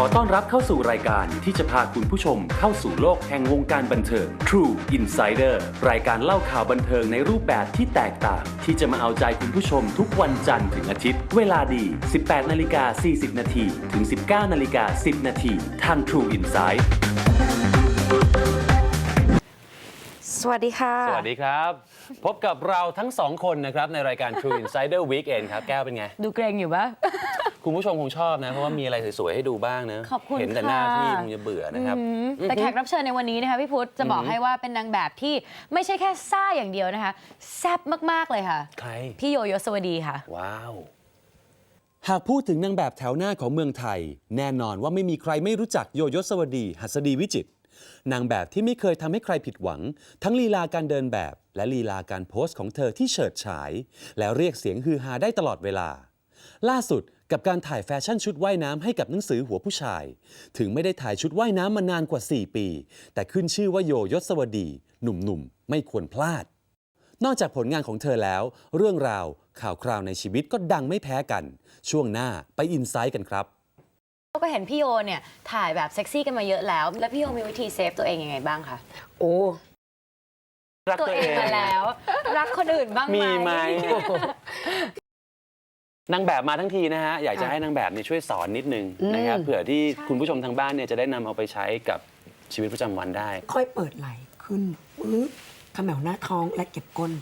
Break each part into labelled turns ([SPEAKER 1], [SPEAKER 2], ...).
[SPEAKER 1] ต้อนรับเข้าสู่รายการที่จะพาคุณผู้ชมเข้าสู่โลกแห่งวงการบันเทิง True Insider รายการเล่าข่าวบันเทิงในรูปแบบที่แตกต่างที่จะมาเอาใจคุณผู้ชมทุกวันจันทร์ถึงอาทิตย์เวลาดี 18:40 น.ถึง 19:10 น.ทาง True Insight
[SPEAKER 2] สวัสดีค่ะ
[SPEAKER 1] สวัสดีครับ พบกับเราทั้งสองคนนะครับในรายการ True Insider Weekend ครับแก้วเป็นไง
[SPEAKER 2] ดูเกรงอยู่ปะ
[SPEAKER 1] คุณผู้ชมคงชอบนะ เพราะว่ามีอะไรสวยๆให้ดูบ้างเนะ
[SPEAKER 2] ขอบคุณ
[SPEAKER 1] เห็นแต่หน้าพี่คงจะเบื่อนะครับ
[SPEAKER 2] แต่แขกรับเชิญในวันนี้นะคะพี่พุทธจะบอกให้ว่าเป็นนางแบบที่ไม่ใช่แค่ซ่าอย่างเดียวนะคะแซ่บมากๆเลยค่ะ
[SPEAKER 1] ใคร
[SPEAKER 2] พี่โยโยสวัสดีค่ะ
[SPEAKER 1] ว้าว หากพูดถึงนางแบบแถวหน้าของเมืองไทย แน่นอนว่าไม่มีใครไม่รู้จักโยโยสวดี หัสดีวิจิตรนางแบบที่ไม่เคยทำให้ใครผิดหวัง ทั้งลีลาการเดินแบบ และลีลาการโพสต์ของเธอที่เฉิดฉาย แล้วเรียกเสียงฮือฮาได้ตลอดเวลา ล่าสุดกับการถ่ายแฟชั่นชุดว่ายน้ำให้กับหนังสือหัวผู้ชาย ถึงไม่ได้ถ่ายชุดว่ายน้ำมานานกว่า 4 ปี แต่ขึ้นชื่อว่าโยยศวดี หนุ่มๆไม่ควรพลาด นอกจากผลงานของเธอแล้ว เรื่องราวข่าวคราวในชีวิตก็ดังไม่แพ้กัน ช่วงหน้าไปอินไซต์กันครับ
[SPEAKER 2] ก็เห็นพี่โยเนี่ยถ่ายแบบเซ็กซี่กันมาเยอะแล้ว แล้วพี่โยมีวิธีเซฟตัวเองยังไงบ้างคะ
[SPEAKER 3] โอ้
[SPEAKER 1] รัก
[SPEAKER 2] ตัว
[SPEAKER 1] ตัว
[SPEAKER 2] เอ
[SPEAKER 1] เอง ง
[SPEAKER 2] มาแล้ว รักคนอื่นบ้างไหม
[SPEAKER 1] มีไหม นางแบบมาทั้งทีนะฮะ อยากจะให้นางแบบเนี่ยช่วยสอนนิดนึงนะครับเผื่อที่คุณผู้ชมทางบ้านเนี่ยจะได้นำเอาไปใช้กับชีวิตประจำวันได้
[SPEAKER 3] ค่อยเปิดไหล่ขึ้นปึ๊บขมวหน้าท้องและเก็บก้น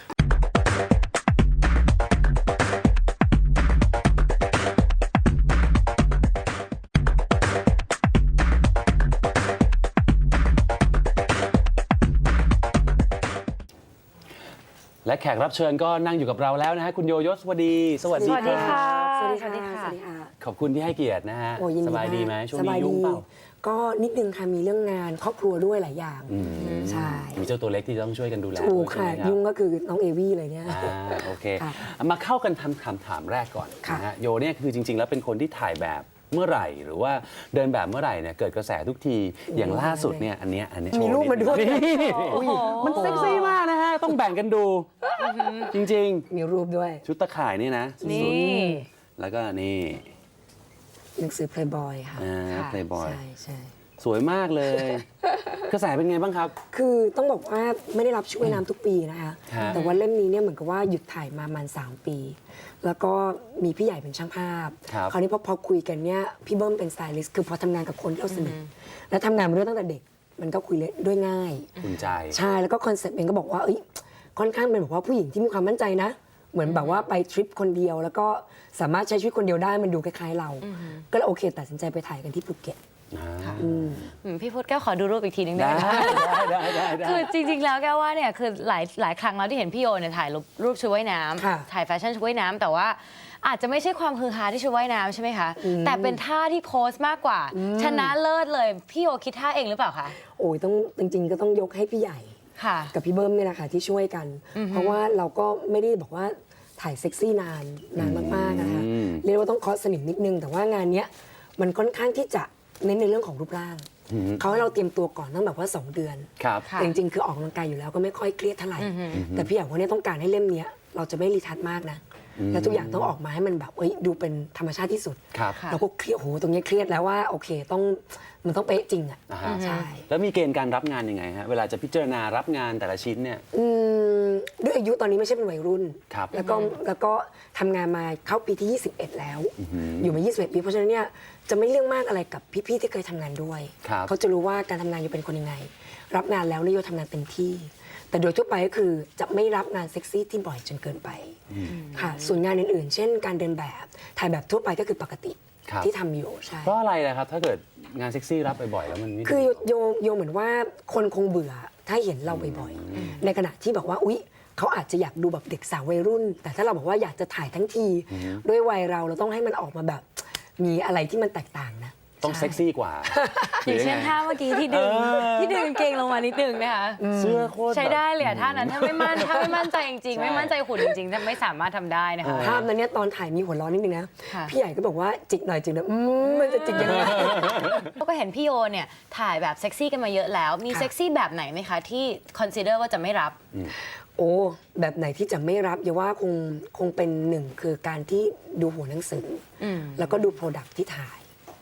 [SPEAKER 1] และแขกรับเชิญก็นั่งอยู่กับเราแล้วนะฮะคุณโยยศสวัสดี สวัสดี
[SPEAKER 2] สวัสดีค่ะ
[SPEAKER 3] สวัสดีค่ะ สวัสดีค่ะ
[SPEAKER 1] ขอบคุณที่ให้เกียรตินะฮะ
[SPEAKER 3] โอ้ยินดี
[SPEAKER 1] สบายดีไหม
[SPEAKER 3] ก
[SPEAKER 1] ช่วง
[SPEAKER 3] ส
[SPEAKER 1] นี้
[SPEAKER 3] บาย
[SPEAKER 1] ยุ่ง
[SPEAKER 3] ดี
[SPEAKER 1] เปล่า
[SPEAKER 3] ก็นิดนึงค่ะ มีเรื่องงานครอบครัวด้วยหลายอย่าง ใช่
[SPEAKER 1] มีเจ้าตัวเล็กที่ต้องช่วยกันดูแล
[SPEAKER 3] ถูก
[SPEAKER 1] ด้วย
[SPEAKER 3] ค่ะ
[SPEAKER 1] ใช่ไหมรับ
[SPEAKER 3] ยุ่งก็คือน้องเอวี่เลยเนี่ย
[SPEAKER 1] โอเค
[SPEAKER 3] ค่ะ
[SPEAKER 1] มาเข้ากันทำคำถามแรกก่อน
[SPEAKER 3] ค่ะ
[SPEAKER 1] นะฮะโยเนี่ยคือจริง ๆ แล้วเป็นคนที่ถ่ายแบบเมื่อไหร่ หรือว่าเดินแบบเมื่อไหร่เนี่ยเกิดกระแสทุกทีอย่างล่าสุดเนี่ยอันเนี้ยโช
[SPEAKER 3] มี
[SPEAKER 1] ว์
[SPEAKER 3] รูปมาด้วย
[SPEAKER 1] นี่
[SPEAKER 2] โอ้โห
[SPEAKER 1] มันเซ็กซี่มากนะฮะต้องแบ่งกันดู จริง
[SPEAKER 3] มีรูปด้วย
[SPEAKER 1] ๆ ชุดตะข่ายนี่นะ
[SPEAKER 2] นี่
[SPEAKER 1] แล้วก็นี่
[SPEAKER 3] หนังสือ Playboy ค่ะ
[SPEAKER 2] ค่ะ
[SPEAKER 1] Playboy
[SPEAKER 3] ใช่ใช่
[SPEAKER 1] สวยมากเลย กระแสเป็นไงบ้างครับ
[SPEAKER 3] คือต้องบอกว่าไม่ได้รับชุดว่ายน้ำทุกปีนะคะ
[SPEAKER 1] ฮะ
[SPEAKER 3] แต่ว่าเล่มนี้เนี่ยเหมือนกับว่าหยุดถ่ายมาประมาณ3 ปี แล้วก็มีพี่ใหญ่เป็นช่างภาพ
[SPEAKER 1] ครับ
[SPEAKER 3] คราวนี้พอคุยกันเนี่ยพี่เบิ้มเป็นสไตลิสต์คือพอทำงานกับคนที่เราสนิทและทำงานมาด้วยตั้งแต่เด็ก มันก็คุยด้วยง่าย
[SPEAKER 1] อุ่นใจ
[SPEAKER 3] ใช่แล้วก็คอนเซ็ปต์เองก็บอกว่าเอ้ยค่อนข้างเป็นแบบว่าผู้หญิงที่มีความมั่นใจนะ เหมือนแบบว่าไปทริปคนเดียว แล้วก็สามารถใช้ชีวิตคนเดียวได้มันดูคล้ายๆเรา ก็เลยโอเคตัดสินใจไปถ่ายกันที่ภูเก็ต
[SPEAKER 2] พี่พุทธแก้วขอดูรูปอีกทีนึงได้
[SPEAKER 1] ได้
[SPEAKER 2] ไหม
[SPEAKER 1] ได้ได้
[SPEAKER 2] คือจริงๆ แล้วแก้วว่าเนี่ยคือหลายครั้งแล้วที่เห็นพี่โยเนี่ยถ่ายรูปชุดว่ายน้
[SPEAKER 3] ค่ะ
[SPEAKER 2] ำถ่ายแฟชั่นชุดว่ายน้ำแต่ว่าอาจจะไม่ใช่ความฮือฮาที่ชุดว่ายน้ำใช่ไหมคะ แต่เป็นท่าที่โพสต์มากกว่า ชนะเลิศเลยพี่โยคิดท่าเองหรือเปล่าคะ
[SPEAKER 3] โอ้ยต้องจริงๆก็ต้องยกให้พี่ใหญ่
[SPEAKER 2] ค่ะ
[SPEAKER 3] กับพี่เบิ้มเนี่ยแหละค่ะที่ช่วยกัน เพราะว่าเราก็ไม่ได้บอกว่าถ่ายเซ็กซี่นานมากๆนะคะเรียกว่าต้องเคาะสนิมนิดนึง แต่ว่างานเนี้ยมันค่อนข้างที่จะเน้นในเรื่องของรูปร่างเขาให้เราเตรียมตัวก่อนตั้งแบบว่า2 เดือน
[SPEAKER 1] ครับ
[SPEAKER 2] ค่ะ
[SPEAKER 3] แต่จริงๆคือออกกำลังกายอยู่แล้วก็ไม่ค่อยเครียดเท่าไหร่ แต่พี่อยากว่าเนี่ยต้องการให้เล่มเนี้ยเราจะไม่รีทัชมากนะและทุกอย่างต้องออกมาให้มันแบบดูเป็นธรรมชาติที่สุด
[SPEAKER 1] ครับ
[SPEAKER 2] ค่ะ
[SPEAKER 3] เราก็เครียดโหตรงเนี้ยเครียดแล้วว่าโอเคมันต้องเป๊ะจริงอ่ะ
[SPEAKER 1] อ่าฮะ
[SPEAKER 3] ใช่
[SPEAKER 1] แล้วมีเกณฑ์การรับงานยังไงฮะ เวลาจะพิจารณารับงานแต่ละชิ้นเนี่ย
[SPEAKER 3] ด้วยอายุตอนนี้ไม่ใช่เป็นวัยรุ่น
[SPEAKER 1] ครับ
[SPEAKER 3] แล้วก็ทำงานมาเข้าปีที่ 21 แล้ว อยู่มา21 ปี เพราะฉะนั้นเนี่ยจะไม่เรื่องมากอะไรกับพี่ๆที่เคยทำงานด้วย
[SPEAKER 1] ครับ
[SPEAKER 3] เขาจะรู้ว่าการทำงานอยู่เป็นคนยังไง รับงานแล้วเนี่ยโยทำงานเต็มที่ แต่โดยทั่วไปก็คือจะไม่รับงานเซ็กซี่ที่บ่อยจนเกินไปค่ะส่วนงานอื่นๆ เช่นการเดินแบบถ่ายแบบทั่วไปก็คือปกติ
[SPEAKER 1] ครับ
[SPEAKER 3] ที่ทำอยู่ใช่
[SPEAKER 1] เพราะอะไรล่ะครับ ถ้าเกิดงานเซ็กซี่รับบ่อยๆแล้วมันไม่ดี
[SPEAKER 3] คือโยเหมือนว่าคนคงเบื่อถ้าเห็นเราบ่อยๆ ในขณะที่บอกว่าอุ๊ยเขาอาจจะอยากดูแบบเด็กสาววัยรุ่น แต่ถ้าเราบอกว่าอยากจะถ่ายทั้งทีด้วยวัยเราต้องให้มันออกมาแบบมีอะไรที่มันแตกต่างนะ
[SPEAKER 1] ต้อง
[SPEAKER 3] ใช่
[SPEAKER 1] เซ็กซี่กว่า
[SPEAKER 2] อย่างเช่นท่าเมื่อกี้ที่ดึงกางเกงลงมานิดนึงนะคะ
[SPEAKER 1] เสื้อโคตร
[SPEAKER 2] ใช้
[SPEAKER 1] แบบ
[SPEAKER 2] ได้เลยอะท่านั้นถ้าไม่มั่นใจจริงๆ ไม่มั่นใจหุ่นจริงๆจะไม่สามารถทำได้นะคะ
[SPEAKER 3] ภาพนั้นเนี่ยตอนถ่ายมีหัวเร้อนนิดนึงนะ
[SPEAKER 2] ค่ะ
[SPEAKER 3] พี่ใหญ่ก็บอกว่าจิกหน่อยจิกหน่อยมันจะจิกยังไง
[SPEAKER 2] ก็เห็นพี่โยเนี่ยถ่ายแบบเซ็กซี่กันมาเยอะแล้ว มี
[SPEAKER 3] ค่ะ
[SPEAKER 2] เซ็กซี่แบบไหนไหมคะที่คอนซีเดอร์ว่าจะไม่รับ
[SPEAKER 3] โอ้แบบไหนที่จะไม่รับอย่าว่าคงเป็นหนึ่งคือการที่ดูหัวหนังสืออแล้วก็ดูโปรดักที่ถ่าย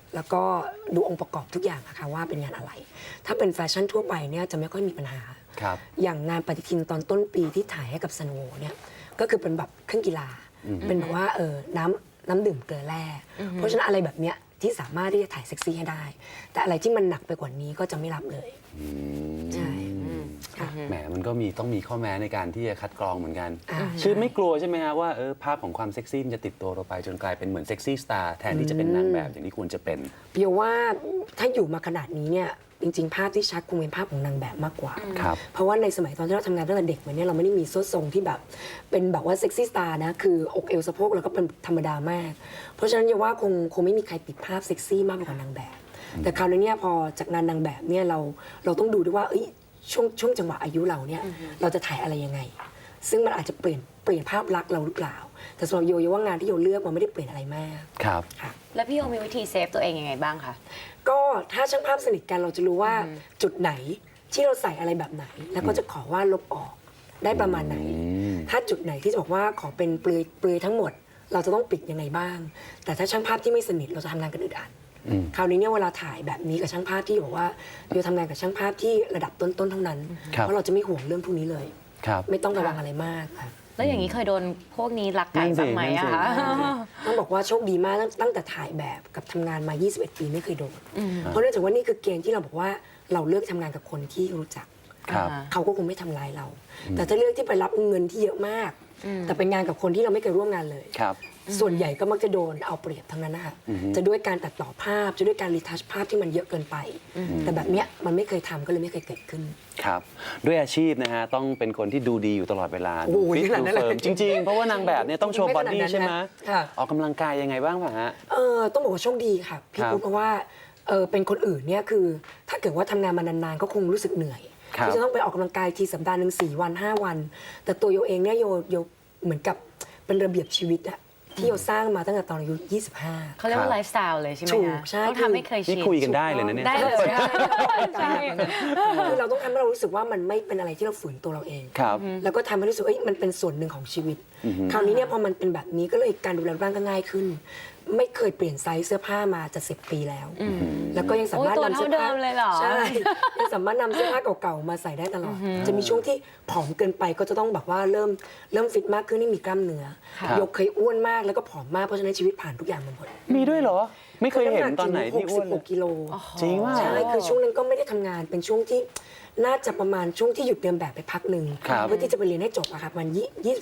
[SPEAKER 3] แล้วก็ดูองค์ประกอบทุกอย่างนะคะว่าเป็นงานอะไร ถ้าเป็นแฟชั่นทั่วไปเนี่ยจะไม่ค่อยมีปัญหา
[SPEAKER 1] ครับ
[SPEAKER 3] อย่างงานปฏิทินตอนต้นปีที่ถ่ายให้กับสโนว์เนี่ยก็คือเป็นแบบเครื่องกีฬา เป็นแบบว่าน้ำดื่มเกลือแร่เพราะฉะนั้นอะไรแบบเนี้ยที่สามารถที่จะถ่ายเซ็กซี่ให้ได้ แต่อะไรที่มันหนักไปกว่านี้ก็จะไม่รับเลยใช่ค่ะ
[SPEAKER 1] แหมมันก็ต้องมีข้อแม้ในการที่จะคัดกรองเหมือนกัน
[SPEAKER 3] อ่า
[SPEAKER 1] คือไม่กลัวใช่ไหมฮะว่าภาพของความเซ็กซี่มันจะติดตัวเราไปจนกลายเป็นเหมือนเซ็กซี่สตาร์แทนที่จะเป็นนางแบบอย่างที่ควรจะเป็น
[SPEAKER 3] เบียว่าถ้าอยู่มาขนาดนี้เนี่ยจริงๆ ภาพที่ชัดคงเป็นภาพของนางแบบมากกว่า
[SPEAKER 1] ครับ
[SPEAKER 3] เพราะว่าในสมัยตอนที่เราทำงานตั้งแต่เด็กมาเนี่ยเราไม่ได้มีโซ่ทรงที่แบบเป็นแบบว่าเซ็กซี่สตาร์นะคืออกเอวสะโพกแล้วก็เป็นธรรมดามาก เพราะฉะนั้นเบียว่าคงไม่มีใครติดภาพเซ็กซี่มากกว่านางแบบ แต่คราวนี้เนี่ยพอจากงานนางแบบเนี่ยเราต้องดูด้วยว่าช่วงจังหวะอายุเราเนี่ยเราจะถ่ายอะไรยังไง ซึ่งมันอาจจะเปลี่ยนภาพลักษณ์เราหรือเปล่า แต่สำหรับโยว่างานที่โยเลือกมันไม่ได้เปลี่ยนอะไรมาก
[SPEAKER 1] ครับ
[SPEAKER 3] ค่ะ
[SPEAKER 2] แล้วพี่โยมีวิธีเซฟตัวเองยังไงบ้างคะ
[SPEAKER 3] ก็ถ้าช่างภาพสนิทกันเราจะรู้ว่าจุดไหนที่เราใส่อะไรแบบไหน แล้วก็จะขอว่าลบออกได้ประมาณไหน ถ้าจุดไหนที่จะบอกว่าขอเป็นเปลือยทั้งหมด เราจะต้องปิดยังไงบ้าง แต่ถ้าช่างภาพที่ไม่สนิทเราจะทำงานกันอึดอัดคราวนี้เนี่ยเวลาถ่ายแบบนี้กับช่างภาพที่บอกว่าเราทำงานกับช่างภาพที่ระดับต้นๆเท่านั้น
[SPEAKER 1] ครับ
[SPEAKER 3] เพราะเราจะไม่ห่วงเรื่องพวกนี้เลย
[SPEAKER 1] ครับ
[SPEAKER 3] ไม่ต้องระวังอะไรมากค่ะ
[SPEAKER 2] แล้วอย่างนี้เคยโดนพวกนี้ลักไก่บ้างไหมอะคะ
[SPEAKER 3] ต้องบอกว่าโชคดีมากตั้งแต่ถ่ายแบบกับทำงานมา 21 ปีไม่เคยโดน เพราะเนื่องจากว่านี่คือเกณฑ์ที่เราบอกว่าเราเลือกทำงานกับคนที่รู้จัก
[SPEAKER 1] ครับ
[SPEAKER 3] เขาก็คงไม่ทำร้ายเรา แต่ถ้าเลือกที่ไปรับเงินที่เยอะมาก แต่เป็นงานกับคนที่เราไม่เคยร่วมงานเลย
[SPEAKER 1] ครับ
[SPEAKER 3] ส่วนใหญ่ก็มักจะโดนเอาเปรียบทั้งนั้นนะคะจะด้วยการตัดต่อภาพ จะด้วยการรีทัชภาพที่มันเยอะเกินไป แต่แบบเนี้ยมันไม่เคยทำก็เลยไม่เคยเกิดขึ้น
[SPEAKER 1] ครับ ด้วยอาชีพนะฮะต้องเป็นคนที่ดูดีอยู่ตลอดเวลา
[SPEAKER 3] โอ้โห
[SPEAKER 1] ฟิต
[SPEAKER 3] ขนาด
[SPEAKER 1] ดู
[SPEAKER 3] นั้นเลย
[SPEAKER 1] เฟิร์มจริงๆ เพราะว่านางแบบเนี่ยต้องโชว์บอดี้ใช่ไหม
[SPEAKER 3] ค่ะ
[SPEAKER 1] ออกกำลังกายยังไงบ้างป่ะฮะ
[SPEAKER 3] ต้องบอกว่าโชคดีค่ะพี่
[SPEAKER 1] ครับ
[SPEAKER 3] ปุ๊กเพราะว่าเป็นคนอื่นเนี่ยคือ ถ้าเกิดว่าทำงานมานานๆก็คงรู้สึกเหนื่อย
[SPEAKER 1] ครับ
[SPEAKER 3] ที่จะต้องไปออกกำลังกายทีสัปดาห์หนึ่ง4 วัน 5 วัน แต่ตัวโยเองเนี่ยโยเหมือนกับเป็นระเบียบชีวิตอะที่โยสร้างมาตั้งแต่ตอนอายุ 25
[SPEAKER 2] เขาเรียกว่าไลฟ์สไตล์เลยใช่ไหม
[SPEAKER 3] ถู
[SPEAKER 2] คะ
[SPEAKER 3] กใช่
[SPEAKER 2] ต้องทำให้เคยชิ
[SPEAKER 1] นี่
[SPEAKER 2] น
[SPEAKER 1] คุยกันได้เลยนะเนี่ย
[SPEAKER 2] ได้เลย
[SPEAKER 3] ใช่คือเราต้องทำให้เรารู้สึกว่ามันไม่เป็นอะไรที่เราฝืนตัวเราเอง
[SPEAKER 1] ครับ
[SPEAKER 3] แล้วก็ทำให้รู้สึกว่ามันเป็นส่วนหนึ่งของชีวิต คราวนี้เนี่ยพอมันเป็นแบบนี้ก็เลยการดูแลรูปร่างก็ง่ายขึ้น ไม่เคยเปลี่ยนไซส์เสื้อผ้ามาจะ10 ปีแล้ว แล้วก็ยังสามารถ
[SPEAKER 2] โอ้ยตัวน
[SPEAKER 3] ำเสื้อผ้า
[SPEAKER 2] เท่าเดิมเลยเหรอ
[SPEAKER 3] ใช่ยังสามารถนำเสื้อผ้าเก่าๆมาใส่ได้ตลอด จะมีช่วงที่ผอมเกินไปก็จะต้องแบบว่าเริ่มฟิตมากขึ้นให้มีกล้ามเนื้อ
[SPEAKER 1] ครับ
[SPEAKER 3] ยกเคยอ้วนมากแล้วก็ผอมมากเพราะฉะนั้นชีวิตผ่านทุกอย่างมาหมด
[SPEAKER 1] มีด้วยเหรอ ไม่เคยเห็นตอนไหนที่อ้วนเลย
[SPEAKER 3] 66 กิโล
[SPEAKER 1] จริงว่า
[SPEAKER 3] ใช่คือช่วงนั้นก็ไม่ได้ทำงานเป็นช่วงที่น่าจะประมาณช่วงที่หยุดเดินแบบไปพักหนึ่ง
[SPEAKER 1] ครับ
[SPEAKER 3] เพื่อที่จะไปเรียนให้จบอะค่ะมัน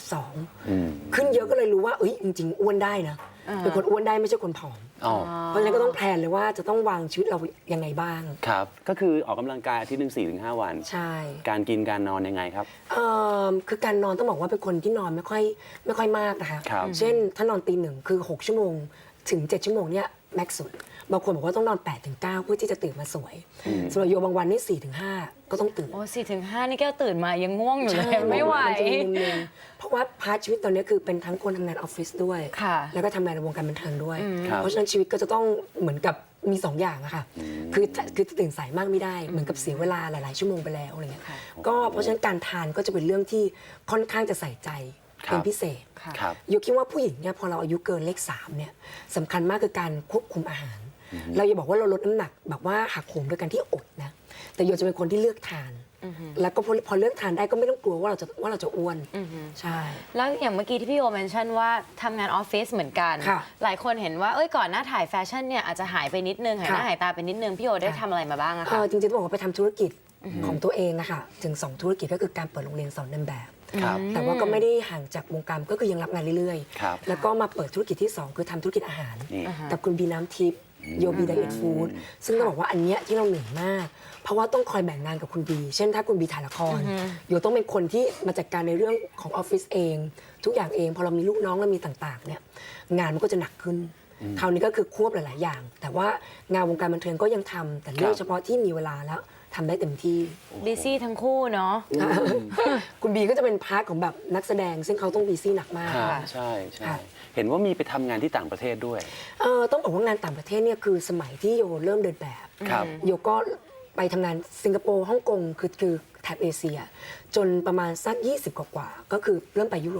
[SPEAKER 3] 22
[SPEAKER 1] อืม
[SPEAKER 3] ขึ้นเยอะก็เลยรู้ว่าจริงๆอ้วนได้นะเป็นคนอ้วนได้ไม่ใช่คนผอม
[SPEAKER 1] อ๋อ
[SPEAKER 3] เพราะฉะนั้นก็ต้องแพลนเลยว่าจะต้องวางชีวิตเรายังไงบ้าง
[SPEAKER 1] ครับ ก็คือออกกำลังกายอาทิตย์หนึ่ง4-5 วัน
[SPEAKER 3] ใช่
[SPEAKER 1] การกินการนอนยังไงครับ
[SPEAKER 3] คือการนอนต้องบอกว่าเป็นคนที่นอนไม่ค่อยมากนะคะ
[SPEAKER 1] ครับ
[SPEAKER 3] เช่นถ้านอนตี 1คือ6 ชั่วโมงถึง 7 ชั่วโมงเนี่ยแม็กซ์สุดบางคนบอกว่าต้องนอน 8-9 เพื่อที่จะตื่นมาสวยสำหรับโยบางวันนี่ 4-5 ก็ต้องตื่น
[SPEAKER 2] โอ้4-5 นี่แก้วตื่นมายังง่วงอยู่เลยไม่ไหว
[SPEAKER 3] นจะมุมนึงเพราะว่าพาร์ทชีวิตตอนนี้คือเป็นทั้งคนทำงานออฟฟิศด้วย
[SPEAKER 2] ค่ะ
[SPEAKER 3] แล้วก็ทำงานในวงการบันเทิงด้วย
[SPEAKER 1] ครับ
[SPEAKER 3] เพราะฉะนั้นชีวิตก็จะต้องเหมือนกับมี2 อย่างอะค่ะคือตื่นสายมากไม่ได้เหมือนกับเสียเวลาหลายๆชั่วโมงไปแล้วอะไรเงี้ยก็เพราะฉะนั้นการทานก็จะเป็นเรื่องที่ค่อนข้างจะใส่ใจเป็นพิเศษ
[SPEAKER 2] ค่ะ
[SPEAKER 1] ครับ
[SPEAKER 3] โยคิดว่าผู้หญิงเนี่ยพอเราอายุเกินเลข 3เนี่ยสำคัญมากคือการควบคุมอาหาร เราอย่าบอกว่าเราลดน้ำหนักแบบว่าหักโหมโดยการที่อดนะแต่โยจะเป็นคนที่เลือกทาน แล้วก็พอเลือกทานได้ก็ไม่ต้องกลัวว่าเราจะอ้วนใช่
[SPEAKER 2] แล้วอย่างเมื่อกี้ที่พี่โอเมนชั่นว่าทำงานออฟฟิศเหมือนกัน
[SPEAKER 3] ค่ะ
[SPEAKER 2] หลายคนเห็นว่าก่อนหน้าถ่ายแฟชั่นเนี่ยอาจจะหายไปนิดนึงหายหน้า
[SPEAKER 3] ค่ะ
[SPEAKER 2] หายตาไปนิดนึงพี่โอได้ทำอะไรมาบ้างอะคะ
[SPEAKER 3] จริงๆต้องบอกว่าไปทำธุรกิจของตัวเองนะคะถึง 2 ธุรกิจก็คือการเปิดโรงเรียนสอนเดินแบบ
[SPEAKER 1] ครับ
[SPEAKER 3] แต่ว่าก็ไม่ได้ห่างจากวงการก็คือยังรับงานเรื่อย
[SPEAKER 1] ครับ
[SPEAKER 3] ๆ แล้วก็มาเปิดธุรกิจที่ 2 คือทำธุรกิจอาหาร
[SPEAKER 1] นี่
[SPEAKER 3] กับคุณบีน้ำทิพย์โยบีไดเอทฟู้ดซึ่งต้องบอกว่าอันเนี้ยที่เราเหนื่อยมาก เพราะว่าต้องคอยแบ่งงานกับคุณบี เช่นถ้าคุณบีถ่ายละครโยต้องเป็นคนที่มาจัดการในเรื่องของออฟฟิศเอง ทุกอย่างเองพอเรามีลูกน้องเรามีต่างๆเนี่ยงานมันก็จะหนักขึ้น คราวนี้ก็คือควบหลายๆอย่าง แต่ว่างานวงการบันเทิงก็ยังทำแต่เลือกเฉพาะที่มีเวลาแล้วทำได้เต็มที่
[SPEAKER 2] บิซี่ทั้งคู่เนาะ
[SPEAKER 3] คุณบีก็จะเป็นพาร์ทของแบบนักแสดง ซึ่งเขาต้องบีซี่หนักมาก
[SPEAKER 1] ครับ
[SPEAKER 2] ค่ะ
[SPEAKER 1] ใช่ใช่
[SPEAKER 3] ค่ะ
[SPEAKER 1] เห็นว่ามีไปทำงานที่ต่างประเทศด้วย
[SPEAKER 3] ต้องบอกว่างานต่างประเทศเนี่ยคือสมัยที่โยเริ่มเดินแบบ
[SPEAKER 1] ครับ
[SPEAKER 3] โยก็ไปทำงานสิงคโปร์ฮ่องกงคือแถบเอเชีย จนประมาณสัก20 กว่าๆก็คือเริ่มไปยุโรป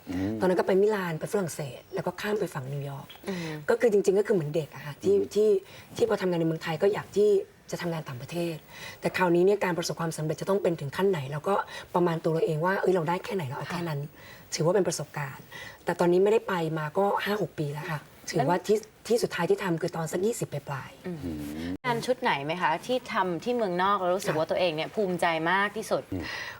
[SPEAKER 3] ตอนนั้นก็ไปมิลานไปฝรั่งเศส แล้วก็ข้ามไปฝั่งนิวยอร์กก็คือจริงๆก็คือเหมือนเด็กอะค่ะที่พอทำงานในเมืองไทยก็อยากที่จะทำงานต่างประเทศ แต่คราวนี้เนี่ยการประสบความสำเร็จจะต้องเป็นถึงขั้นไหนแล้วก็ประมาณตัวเราเองว่าเราได้แค่ไหนเราเอาแค่นั้น ถือว่าเป็นประสบการณ์ แต่ตอนนี้ไม่ได้ไปมาก็ 5-6 ปีแล้วค่ะถือว่าที่สุดท้ายที่ทำคือตอนสัก20ปลาย
[SPEAKER 2] งานชุดไหนไหมคะที่ทำที่เมืองนอกแล้วรู้สึกว่าตัวเองเนี่ยภูมิใจมากที่สุด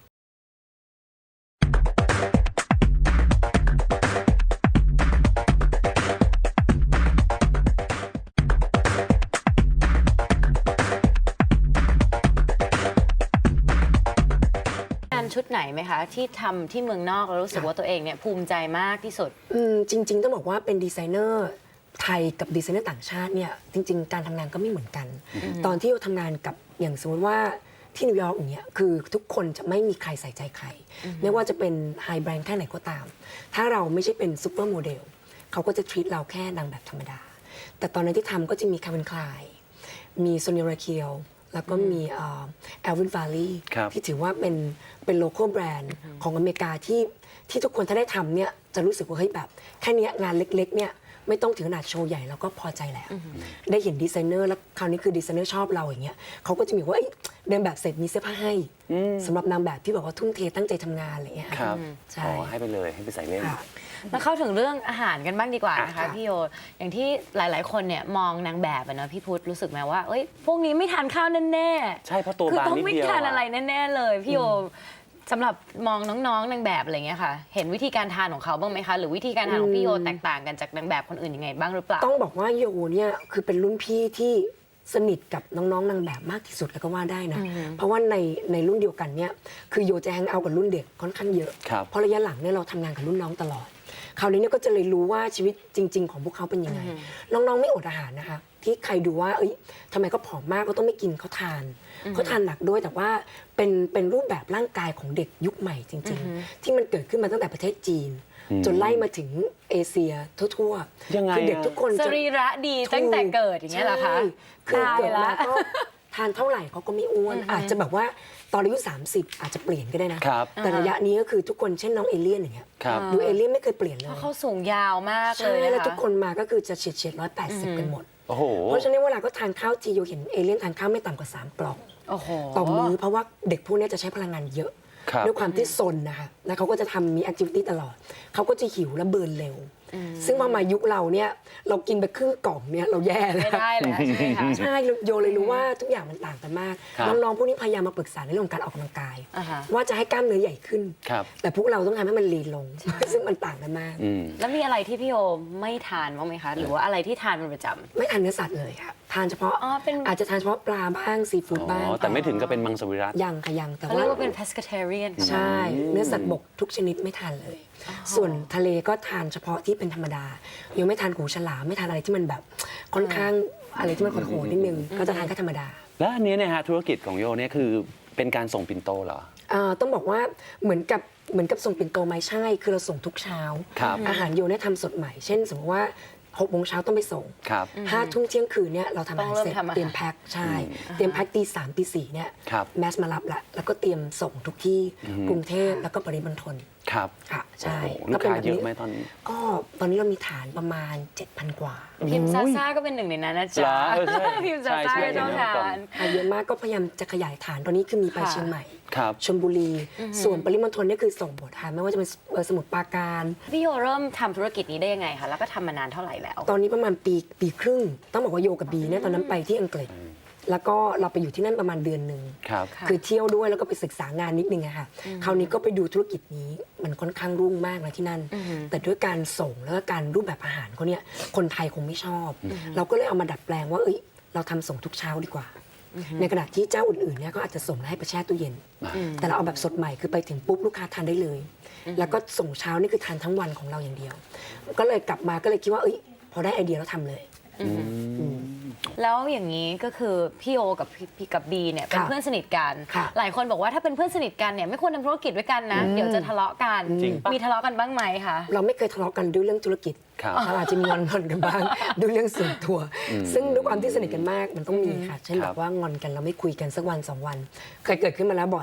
[SPEAKER 2] งานชุดไหนไหมคะที่ทำที่เมืองนอกแล้วรู้สึกว่าตัวเองเนี่ยภูมิใจมากที่สุด
[SPEAKER 3] จริงๆต้องบอกว่าเป็นดีไซเนอร์ไทยกับดีไซเนอร์ต่างชาติเนี่ยจริงๆการทำงานก็ไม่เหมือนกัน ตอนที่เราทำงานกับอย่างสมมติว่าที่นิวยอร์กอย่างเงี้ยคือทุกคนจะไม่มีใครใส่ใจใคร ไม่ว่าจะเป็นไฮแบรนด์แค่ไหนก็ตาม ถ้าเราไม่ใช่เป็นซูเปอร์โมเดลเขาก็จะทรีตเราแค่นางแบบธรรมดา แต่ตอนนั้นที่ทำก็จะมีคาร์เวนคลายมีโซเนียราเคียวแล้วก็มีแอลวินฟาลี
[SPEAKER 1] ครับ
[SPEAKER 3] ที่ถือว่าเป็นโลคอลแบรนด์ของอเมริกาที่ทุกคนถ้าได้ทำเนี่ยจะรู้สึกว่าเฮ้ยแบบแค่เนี้ยงานเล็กๆเนี่ยไม่ต้องถึงขนาดโชว์ใหญ่แล้วก็พอใจแล้ว ได้เห็นดีไซเนอร์แล้วคราวนี้คือดีไซเนอร์ชอบเราอย่างเงี้ยเขาก็จะมีว่าเอ้ยเดินแบบเสร็จมีเสื้อผ้าให้สำหรับนางแบบที่แบบว่าทุ่มเทตั้งใจทำงานอะไรอย่างเงี้ย
[SPEAKER 1] ครับ
[SPEAKER 3] ใช่
[SPEAKER 1] อ๋อให้ไปเลยให้ไปใส่เล่น
[SPEAKER 3] ค่ะ
[SPEAKER 2] มาเข้าถึงเรื่องอาหารกันบ้างดีกว่านะคะ
[SPEAKER 3] ค่ะ
[SPEAKER 2] พี่โยอย่างที่หลายๆ คนเนี่ยมองนางแบบอะเนอะพี่พุทธรู้สึกไหมว่าเอ้ยพวกนี้ไม่ทานข้าวแน่ๆ
[SPEAKER 1] ใช่เพราะตัว
[SPEAKER 2] คือบ
[SPEAKER 1] าง
[SPEAKER 2] ต้อง
[SPEAKER 1] นิด
[SPEAKER 2] ไม่
[SPEAKER 1] เดียว
[SPEAKER 2] ทาน
[SPEAKER 1] อะ
[SPEAKER 2] อะไรแน่ๆเลยพี่โยสำหรับมองน้องๆนางแบบอะไรเงี้ยค่ะ เห็นวิธีการทานของเขาบ้างไหมคะ หรือวิธีการทานของพี่โยแตกต่างกันจากนางแบบคนอื่นยังไงบ้างหรือเปล่า
[SPEAKER 3] ต้องบอกว่าโยเนี่ยคือเป็นรุ่นพี่ที่สนิทกับน้องๆนางแบบมากที่สุดแล้วก็ว่าได้นะ เพราะว่าในรุ่นเดียวกันเนี่ยคือโยจะแฮงเอาท์กับรุ่นเด็กค่อนข้างเยอะ
[SPEAKER 1] ครับ
[SPEAKER 3] เพราะระยะหลังเนี่ยเราทำงานกับรุ่นน้องตลอด คราวนี้เนี่ยก็จะเลยรู้ว่าชีวิตจริง ๆ ของพวกเขาเป็นยังไง น้องๆไม่อดอาหารนะคะ ที่ใครดูว่าเอ้ยทำไมเขาผอมมากก็ต้องไม่กินเขาทานหนักด้วยแต่ว่าเป็นรูปแบบร่างกายของเด็กยุคใหม่จริง ๆ ที่มันเกิดขึ้นมาตั้งแต่ประเทศจีน จนไล่มาถึงเอเชียทั่วๆ
[SPEAKER 1] ยังไง
[SPEAKER 3] คือเด็ก
[SPEAKER 1] อะ
[SPEAKER 3] ทุกคน
[SPEAKER 2] ส
[SPEAKER 3] จะ
[SPEAKER 2] รีระดีตั้งแต่เกิดอย่างเงี้ยเหรอคะ
[SPEAKER 3] ใช่คือเกิด
[SPEAKER 2] ตาย
[SPEAKER 3] มา
[SPEAKER 2] ละ
[SPEAKER 3] ก็ทานเท่าไหร่เขาก็ไม่อ้วน อาจจะแบบว่าตอนอายุ 30 อาจจะเปลี่ยนก็ได้นะ
[SPEAKER 1] ครับ
[SPEAKER 3] แต่ระยะนี้ก็คือทุกคนเช่นน้องเอเลี่ยนอย่างเงี้ย
[SPEAKER 1] ครับ
[SPEAKER 3] ดูเอเลี่ยนไม่เคยเปลี่ยนเล
[SPEAKER 2] เพ
[SPEAKER 3] ย
[SPEAKER 2] ราะเขาสูงยาวมากเล
[SPEAKER 3] ใช่
[SPEAKER 2] ย
[SPEAKER 3] แล้ว
[SPEAKER 2] นะ
[SPEAKER 3] ทุก
[SPEAKER 2] คะ
[SPEAKER 3] คนมาก็คือจะเฉียด180 กันหมด
[SPEAKER 1] โอ้โห
[SPEAKER 3] เพราะฉะนั้นเวลาก็ทานข้าวทีโยเห็นเอเลี่ยนทานข้าวไม่ต่ำกว่า 3 กล่อง
[SPEAKER 2] โอ้โห
[SPEAKER 3] ต่อมื้อเพราะว่าเด็กพวกนี้จะใช้พลังงานเยอะ
[SPEAKER 1] ครับ
[SPEAKER 3] ด้วยความที่ซนนะคะแล้วเขาก็จะทำมีแอคทิวิตี้ตลอด เขาก็จะหิวและเบิร์นเร็ว ซึ่งพอมายุคเราเนี่ยเรากินไปครึ่งกล่องเนี่ยเราแย่แล้ว
[SPEAKER 2] ไม่ได้เลยใช่ไหมคะ
[SPEAKER 3] ใช่โยเลยรู้ว่าทุกอย่างมันต่างกันมาก
[SPEAKER 1] ครับ
[SPEAKER 3] น้องๆพวกนี้พยายามมาปรึกษาในเรื่องของการออกกำลังกาย
[SPEAKER 2] อ่าฮะ
[SPEAKER 3] ว่าจะให้กล้ามเนื้อใหญ่ขึ้น
[SPEAKER 1] ครับ
[SPEAKER 3] แต่พวกเราต้องทำให้มันลีนลง ซึ่งมันต่างกันมาก
[SPEAKER 1] อืม
[SPEAKER 2] แล้วมีอะไรที่พี่โยไม่ทานบ้างไหมคะ หรือว่าอะไรที่ทานเป็นประจำ
[SPEAKER 3] ไม่ทานเนื้อสัตว์เลยค่ะทานเฉพาะ
[SPEAKER 2] อ๋อเป็น
[SPEAKER 3] อาจจะทานเฉพาะปลาบ้างซีฟู้ด
[SPEAKER 1] อ๋
[SPEAKER 3] บ้าง
[SPEAKER 1] อ แต่ไม่ถึงกับเป็นมังสวิรัติ
[SPEAKER 3] ยังค่ะยังแต่
[SPEAKER 2] เขา
[SPEAKER 3] ว่า
[SPEAKER 2] เรียกว่าเป็น pescatarian
[SPEAKER 3] ใช่ เนื้อสัตว์บกทุกชนิดไม่ทานเลย ส่วนทะเลก็ทานเฉพาะที่เป็นธรรมดายังไม่ทานหูฉลามไม่ทานอะไรที่มันแบบค่อนข้างอะไรที่มันโหดๆนิดนึงก็จะทานแค่ธรรมดา
[SPEAKER 1] แล้วอันนี้เนี่ยฮะธุรกิจของโยเนี่ยคือเป็นการส่งปิ่นโตเหรอ
[SPEAKER 3] ต้องบอกว่าเหมือนกับส่งปิ่นโตไหมใช่ คือเราส่งทุกเช้า
[SPEAKER 1] ครับ
[SPEAKER 3] อาหารโยเนี่ยทำสดใหม่ เช่น สมมติว่า6 โมงเช้าต้องไปส่ง
[SPEAKER 1] ครับ
[SPEAKER 3] 5 ทุ่มเที่ยงคืนเนี่ยเราทำอาหาร
[SPEAKER 2] ต้องเริ่ม
[SPEAKER 3] เสร็จ
[SPEAKER 2] ทำอาหาร
[SPEAKER 3] เตรียมแพ็คใช่ เตรียมแพ็คตี 3 ตี 4เนี่ย
[SPEAKER 1] ครับ
[SPEAKER 3] แมสมารับละแล้วก็เตรียมส่งทุกที่กรุงเทพแล้วก็ปริมณฑล
[SPEAKER 1] ครับ
[SPEAKER 3] ค่ะใช่
[SPEAKER 1] โอ้โหลูกค้าเยอะไหมตอนนี้
[SPEAKER 3] ก็ตอนนี้เรามีฐานประมาณ 7,000 กว่า
[SPEAKER 2] พิมพ์ซาซ่าก็เป็นหนึ่งในนั้นนะ
[SPEAKER 1] เหร
[SPEAKER 2] จ๊ะ
[SPEAKER 1] อเออใช่
[SPEAKER 2] พิมพ์ซาซ่า
[SPEAKER 1] ใช่
[SPEAKER 2] ก็ต้อง
[SPEAKER 1] ใช่
[SPEAKER 2] ทาน
[SPEAKER 3] เยอะมากก็พยายามจะขยายฐานตอนนี้คือมีไป
[SPEAKER 2] ค่ะ
[SPEAKER 3] เชียงใหม่
[SPEAKER 1] ครับ
[SPEAKER 3] ชลบุรี ส่วนปริมณฑลเนี่ยคือส่งหมดค่ะไม่ว่าจะเป็นสมุทรปราการ
[SPEAKER 2] พี่โยเริ่มทำธุรกิจนี้ได้ยังไงคะ แล้วก็ทำมานานเท่าไหร่แล้ว
[SPEAKER 3] ตอนนี้ประมาณปีครึ่ง ต้องบอกว่าโยกับบีเนี่ยตอนนั้นไปที่อังกฤษ แล้วก็เราไปอยู่ที่นั่นประมาณเดือนหนึ่ง
[SPEAKER 1] ครับ
[SPEAKER 2] ค่ะ
[SPEAKER 3] คือเที่ยวด้วยแล้วก็ไปศึกษางานนิดนึงอะค่ะคราวนี้ก็ไปดูธุรกิจนี้มันค่อนข้างรุ่งมากนะที่นั่น แต่ด้วยการส่งแล้วก็การรูปแบบอาหารเขาเนี่ยคนไทยคงไม่ชอบ เราก็เลยเอามาดัดแปลงว่าเอ้ยเราทำส่งทุกเช้าดีกว่า ในขณะที่เจ้าอื่นๆเนี่ยก็อาจจะส่งแล้วให้ไปแช่ตู้เย็น แต่เราเอาแบบสดใหม่คือไปถึงปุ๊บลูกค้าทานได้เลย แล้วก็ส่งเช้านี่คือทานทั้งวันของเราอย่างเดียว ก็เลยกลับมาก็เลยคิดว่าเอ้ยพอได้ไอเดียแล้วทำเลย
[SPEAKER 2] แล้วอย่างนี้ก็คือพี่โอกับพี่กับบีเนี่ยเป็น
[SPEAKER 3] ค่ะ
[SPEAKER 2] เพื่อนสนิทกัน
[SPEAKER 3] ค่ะ
[SPEAKER 2] หลายคนบอกว่าถ้าเป็นเพื่อนสนิทกันเนี่ยไม่ควรทำธุรกิจด้วยกันนะ เดี๋ยวจะทะเลาะกัน
[SPEAKER 1] จริงปะ
[SPEAKER 2] มีทะเลาะกันบ้างไหมคะ
[SPEAKER 3] เราไม่เคยทะเลาะกันด้วยเรื่องธุรกิจ
[SPEAKER 1] ครับ
[SPEAKER 3] เราอาจจะมีงอนกันบ้าง ด้วยเรื่องส่วนตัว ซึ่งด้วยความที่สนิทกันมากมันต้องมีค่ะ เช่น
[SPEAKER 1] ค
[SPEAKER 3] แบ
[SPEAKER 1] รับบ
[SPEAKER 3] ว่างอนกันเราไม่คุยกันสักวัน 2 วัน เคยเกิดขึ้นมาแล้วบ่อย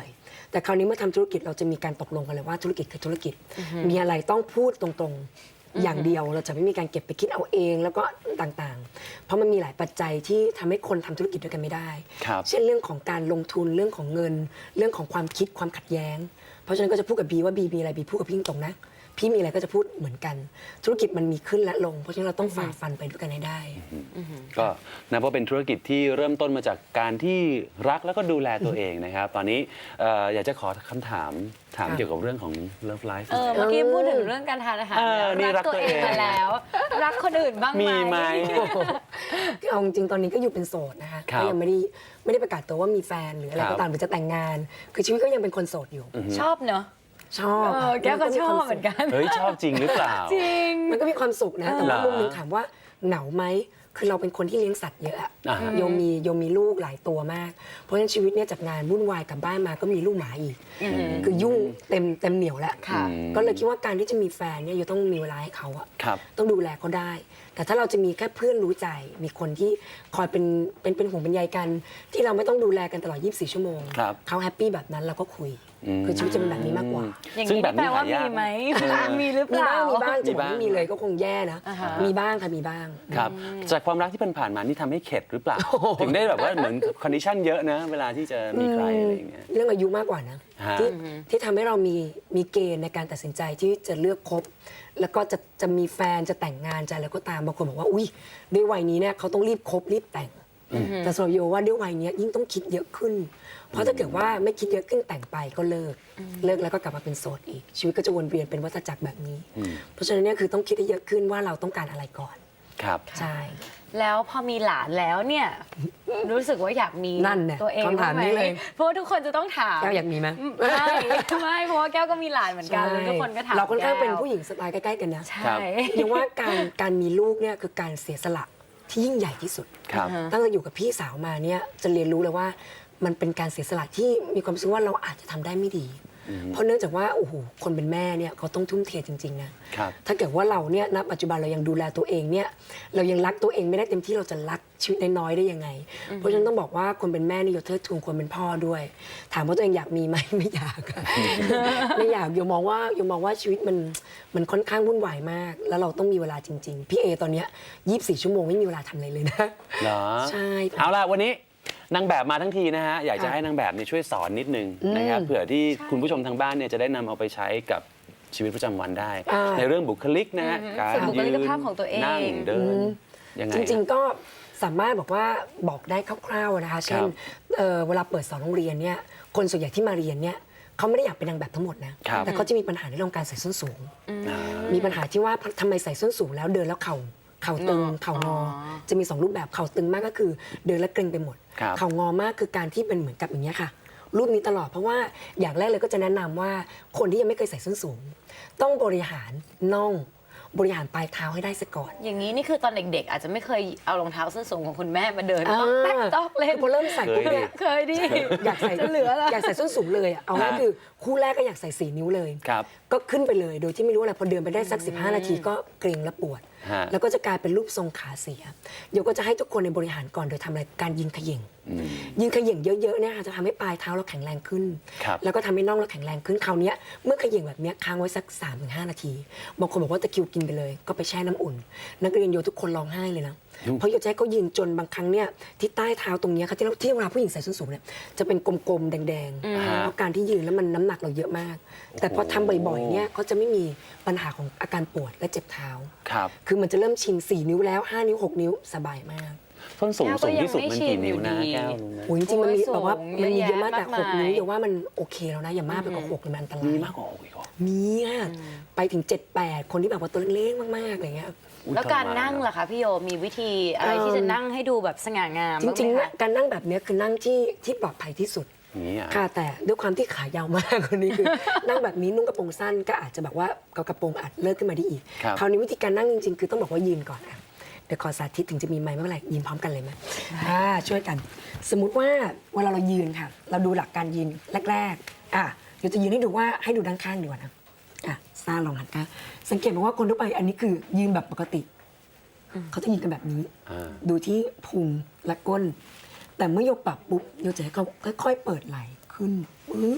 [SPEAKER 3] แต่คราวนี้เมื่อทำธุรกิจเราจะมีการตกลงกันเลยว่าธุรกิจคือธุรกิจ มีอะไรต้องพูดตรงๆอย่างเดียวเราจะไม่มีการเก็บไปคิดเอาเองแล้วก็ต่างๆ เพราะมันมีหลายปัจจัยที่ทำให้คนทำธุรกิจด้วยกันไม่ได้
[SPEAKER 1] ครับ
[SPEAKER 3] เช่นเรื่องของการลงทุนเรื่องของเงิน เรื่องของความคิดความขัดแย้ง เพราะฉะนั้นก็จะพูดกับบีว่าบีมีอะไรบีพูดกับพี่ตรงๆนะพี่มีอะไรก็จะพูดเหมือนกัน ธุรกิจมันมีขึ้นและลง เพราะฉะนั้นเราต้องฝ่าฟันไปด้วยกันให้ได้
[SPEAKER 1] ก็นับว่าเป็นธุรกิจที่เริ่มต้นมาจากการที่รักแล้วก็ดูแลตัวเองนะครับ ตอนนี้อยากจะขอคำถามเกี่ยวกับเรื่องของ Love Life
[SPEAKER 2] เมื่อกี้พูดถึงเรื่องการทานอาหาร
[SPEAKER 1] นี่
[SPEAKER 2] รักตัวเองมาแล้ว รักคนอื่นบ้างไหม
[SPEAKER 1] มีไหม
[SPEAKER 3] เอาจริงๆตอนนี้ก็อยู่เป็นโสดนะคะ
[SPEAKER 1] ครับ
[SPEAKER 3] ก็ยังไม่ได้ประกาศตัวว่ามีแฟนหรืออะไร
[SPEAKER 1] ครั
[SPEAKER 3] ก็
[SPEAKER 1] บ
[SPEAKER 3] ตามหรือจะแต่งงาน คือชีวิตก็ยังเป็นคนโสดอยู่
[SPEAKER 2] ชอบเนอะ
[SPEAKER 3] ชอบ
[SPEAKER 2] แก้วก็ชอบเหมือนกัน
[SPEAKER 1] เฮ้ยชอบจริงหรือเปล่า
[SPEAKER 2] จริง
[SPEAKER 3] มันก็มีความสุขนะ แต่ว่า
[SPEAKER 1] เหรอ
[SPEAKER 3] มุมหนึงถามว่าเหงาไหมคือเราเป็นคนที่เลี้ยงสัตว์เยอะอะ
[SPEAKER 1] อ่าฮะ
[SPEAKER 3] โยมมีลูกหลายตัวมาก เพราะฉะนั้นชีวิตเนี่ยจากงานวุ่นวายกลับบ้านมาก็มีลูกหมาอีก คือยุ่งเต็มเหนียวแล้ว
[SPEAKER 2] ค่ะ
[SPEAKER 3] ก็เลยคิดว่าการที่จะมีแฟนเนี่ยโยต้องมีเวลาให้เขาอะ
[SPEAKER 1] ครับ
[SPEAKER 3] ต้องดูแลเขาได้ แต่ถ้าเราจะมีแค่เพื่อนรู้ใจ มีคนที่คอยเป็นห่วงเป็นใยกัน ที่เราไม่ต้องดูแลกันตลอด 24 ชั่วโมง
[SPEAKER 1] ครับ
[SPEAKER 3] เขาแฮปปี้แบบนั้นเราก็คุย คือชีวิตจะเป็นแบบนี้มากกว่า
[SPEAKER 2] อย่าง
[SPEAKER 1] ซึ่ง
[SPEAKER 2] นี้
[SPEAKER 1] แบบ
[SPEAKER 2] แปล
[SPEAKER 1] นี้
[SPEAKER 2] ว่า
[SPEAKER 1] หายาก
[SPEAKER 2] มีไหม
[SPEAKER 1] เออ
[SPEAKER 2] มีหรือเป
[SPEAKER 3] มี
[SPEAKER 2] ล่า
[SPEAKER 3] บ้างจะบอก
[SPEAKER 1] มีบ้าง
[SPEAKER 3] ไม่มีเลยก็คงแย่นะ
[SPEAKER 2] อ่าฮะ
[SPEAKER 3] มีบ้างค่ะมีบ้าง
[SPEAKER 1] ครับ จากความรักที่ผ่านมานี่ทำให้เข็ดหรือเปล่า ถึงได้แบบว่าเหมือนคอนดิชันเยอะนะ เวลาที่จะมีใครอะไรอย่างเงี้ย
[SPEAKER 3] เรื่องอายุมากกว่านะ
[SPEAKER 1] ฮะ
[SPEAKER 3] ที่ทำให้เรามีเกณฑ์ในการตัดสินใจที่จะเลือกคบ แล้วก็จะมีแฟนจะแต่งงานจะอะไรก็ตามบางคนบอกว่าอุ้ยด้วยวัยนี้เนี่ยเขาต้องรีบคบรีบแต่ง แต่สำหรับโยว่าด้วยวัยเนี้ยยิ่งต้องคิดเยอะขึ้น เพราะถ้าเกิดว่าไม่คิดเยอะขึ้นแต่งไปก็เลิกแล้วก็กลับมาเป็นโสดอีก ชีวิตก็จะวนเวียนเป็นวัฏจักรแบบนี้ เพราะฉะนั้นเนี่ยคือต้องคิดให้เยอะขึ้นว่าเราต้องการอะไรก่อน
[SPEAKER 1] ครับ
[SPEAKER 3] ใช่
[SPEAKER 2] แล้วพอมีหลานแล้วเนี่ย รู้สึกว่าอยากมี
[SPEAKER 3] นั่นเนี่ย
[SPEAKER 2] ตัวเอง
[SPEAKER 3] คำถาม
[SPEAKER 2] บ้งไห
[SPEAKER 3] นี้เลย
[SPEAKER 2] เพราะว่าทุกคนจะต้องถาม
[SPEAKER 3] แก้วอยากมีไหม
[SPEAKER 2] ไม่เพราะว่าแก้วก็มีหลานเหมือนกันแล้วทุกคนก็ถาม
[SPEAKER 3] เราค่อนข้างเป็น
[SPEAKER 2] แก้ว
[SPEAKER 3] ผู้หญิงสไตล์ใกล้ๆกันนะ
[SPEAKER 2] ใช่
[SPEAKER 1] ครับ
[SPEAKER 3] ยังว่าการมีลูกเนี่ยคือการเสียสละที่ยิ่งใหญ่ที่สุด
[SPEAKER 1] ครับ
[SPEAKER 3] ตั้งแต่อยู่กับพี่สาวมาเนี่ยจะเรียนรู้เลยว่ามันเป็นการเสียสละที่มีความรู้สึกว่าเราอาจจะทำได้ไม่ดี เพราะเนื่องจากว่าโอ้โหคนเป็นแม่เนี่ยเขาต้องทุ่มเทจริงๆนะครับ ถ้าเกิดว่าเราเนี่ยณปัจจุบันเรายังดูแลตัวเองเนี่ยเรายังรักตัวเองไม่ได้เต็มที่เราจะรักชีวิตน้อยๆได้ยังไง เพราะฉะนั้นต้องบอกว่าคนเป็นแม่นี่โยเทิดทูนคนเป็นพ่อด้วย ถามว่าตัวเองอยากมีไหม ไม่อยากอะ ไม่อยากโยมองว่าชีวิตมันค่อนข้างวุ่นวายมาก แล้วเราต้องมีเวลาจริงๆพี่เอตอนเนี้ย24 ชั่วโมงไม่มีเวลาทำอะไรเลยนะ
[SPEAKER 1] เหรอ
[SPEAKER 3] ใช่
[SPEAKER 1] เอาล่ะวันนี้นางแบบมาทั้งทีนะฮะ อยากจะให้นางแบบเนี่ยช่วยสอนนิดนึงนะครับเผื่อที่คุณผู้ชมทางบ้านเนี่ยจะได้นำเอาไปใช้กับชีวิตประจำวันได้ ในเรื่องบุคลิกนะฮะการ
[SPEAKER 2] ฝึกบุค
[SPEAKER 1] ยื
[SPEAKER 2] ลิ
[SPEAKER 1] น
[SPEAKER 2] กภาพของตัวเอง
[SPEAKER 1] นั่งเดินยังไง
[SPEAKER 3] จริงๆก็สามารถบอกได้คร่าวๆนะคะ เช่นเวลาเปิดสอนโรงเรียนเนี่ยคนส่วนใหญ่ที่มาเรียนเนี่ยเขาไม่ได้อยากเป็นนางแบบทั้งหมดนะครับ แต่เขาจะมีปัญหาในเรื่องการใส่ส้นสูง มีปัญหาที่ว่าทำไมใส่ส้นสูงแล้วเดินแล้วเข่าตึงเข่างอจะมี2รูปแบบเข่าตึงมากก็คือเดินแล้วเกร็งไปหมด
[SPEAKER 1] ครับ
[SPEAKER 3] เข่างอมากคือการที่เป็นเหมือนกับอย่างเงี้ยค่ะ รูปนี้ตลอดเพราะว่าอย่างแรกเลยก็จะแนะนำว่าคนที่ยังไม่เคยใส่ส้นสูง ต้องบริหารน่องบริหารปลายเท้าให้ได้ซะก่อน
[SPEAKER 2] อย่างนี้นี่คือตอนเด็กๆ อาจจะไม่เคยเอารองเท้าส้นสูงของคุณแม่มาเดินต้องแตกตอกเล่น
[SPEAKER 3] คือพอเริ่มใส่ปุ๊บเนี่ย
[SPEAKER 2] เคยดิ
[SPEAKER 3] อยากใส่
[SPEAKER 2] จะเหลือละ
[SPEAKER 3] อยากใส่ส้นสูงเลยอะเอาง่ายๆคือคู่แรกก็อยากใส่4 นิ้วเลย
[SPEAKER 1] ครับ
[SPEAKER 3] ก็ขึ้นไปเลยโดยที่ไม่รู้อะไรพอเดินไปได้สัก 15 นาทีก็เกร็งและปวด
[SPEAKER 1] ฮะ
[SPEAKER 3] แล้วก็จะกลายเป็นรูปทรงขาเสียเดี๋ยวก็จะให้ทุกคนในบริหารก่อนโดยทำอะไรการยิงเขย่งยิงเขย่งเยอะๆเนี่ยค่ะจะทำให้ปลายเท้าเราแข็งแรงขึ้น
[SPEAKER 1] ครับ
[SPEAKER 3] แล้วก็ทำให้น่องเราแข็งแรงขึ้นคราวเนี้ยเมื่อเขย่งแบบเนี้ยค้างไว้สัก 3-5 นาทีบางคนบอกว่าตะคริวกินไปเลยก็ไปแช่น้ำอุ่น นักเรียนโยทุกคนร้องไห้เลยนะเพราะโยจะให้เขายืนจนบางครั้งเนี่ยที่ใต้เท้าตรงเนี้ยค่ะที่เวลาผู้หญิงใส่ส้นสูงเนี่ยจะเป็นกลมๆแดงๆเพราะการที่ยืนแล้วมันน้ำหนักเราเยอะมาก แต่พอทำบ่อยๆเนี่ยเขาจะไม่มีปัญหาของอาการปวดและเจ็บเท้า
[SPEAKER 1] ครับ
[SPEAKER 3] คือมันจะเริ่มชิน4 นิ้วแล้ว 5 นิ้ว 6 นิ้วสบายมาก
[SPEAKER 1] ส้นสูง
[SPEAKER 2] แก้วก็
[SPEAKER 1] สูงที่สุด
[SPEAKER 2] ยังไม่
[SPEAKER 1] มันกี่นิ้วนะ
[SPEAKER 2] ชินอยู่ดี
[SPEAKER 1] แก้วรู้ไหม
[SPEAKER 3] โอ้ยจริงๆมันมี
[SPEAKER 2] โอ้ย
[SPEAKER 3] แบบว่า
[SPEAKER 2] สูง
[SPEAKER 3] มันมีเยอะมาก
[SPEAKER 2] เยอะแยะ
[SPEAKER 3] แต่
[SPEAKER 2] มาก
[SPEAKER 3] 6
[SPEAKER 2] มาย
[SPEAKER 3] นิ้วอย่าว่ามันโอเคแล้วนะอย่ามากไปกว่า6เลยมันอันตราย
[SPEAKER 1] มีมากกว่าอีกเหรอ
[SPEAKER 3] มีค่ะไปถึง 7-8 คนที่แบบว่าตัวเล็กๆมากๆอะไรเงี้ย
[SPEAKER 1] อุ๊ย
[SPEAKER 2] แล้วการ
[SPEAKER 1] ทมน
[SPEAKER 2] นั่งล่ะคะพี่โยมีวิธีอะไรที่จะนั่งให้ดูแบบสง่างาม
[SPEAKER 3] จริงๆ
[SPEAKER 2] บ้า
[SPEAKER 3] เนี่ย
[SPEAKER 2] ไหมคะ
[SPEAKER 3] การนั่งแบบเนี้ยคือนั่งที่ปลอดภัยที่สุด
[SPEAKER 1] อย่างนี้อ่ะ
[SPEAKER 3] ค่ะแต่ด้วยความที่ขายาวมาก คนนี้คือ นั่งแบบนี้นุ่งกระโปรงสั้นก็อาจจะแบบว่ากระโปรงอาจเลิกขึ้นมาได้อีก
[SPEAKER 1] ครับ
[SPEAKER 3] คราวนี้วิธีการนั่งจริงๆ คือต้องบอกว่ายืนก่อนค่ะเดี๋ยวขอสาธิตถึงจะมีไมค์ไม่เป็นไรยืนพร้อมกันเลยไหมช่วยกัน สมมุติว่าเวลาเรายืนค่ะ เราดูหลักการยืนแรกๆเดี๋ยวจะยืนให้ดูว่าให้ดูด้านข้างดีกว่านะซ่าลองหันข้างสังเกตว่าคนทั่วไปอันนี้คือยืนแบบปกติเขาจะยืนกันแบบนี้
[SPEAKER 1] อ่า
[SPEAKER 3] ดูที่พุงและก้น แต่เมื่อโยปรับปุ๊บโยจะให้เขาค่อยๆเปิดไหล่ขึ้นปึ๊บ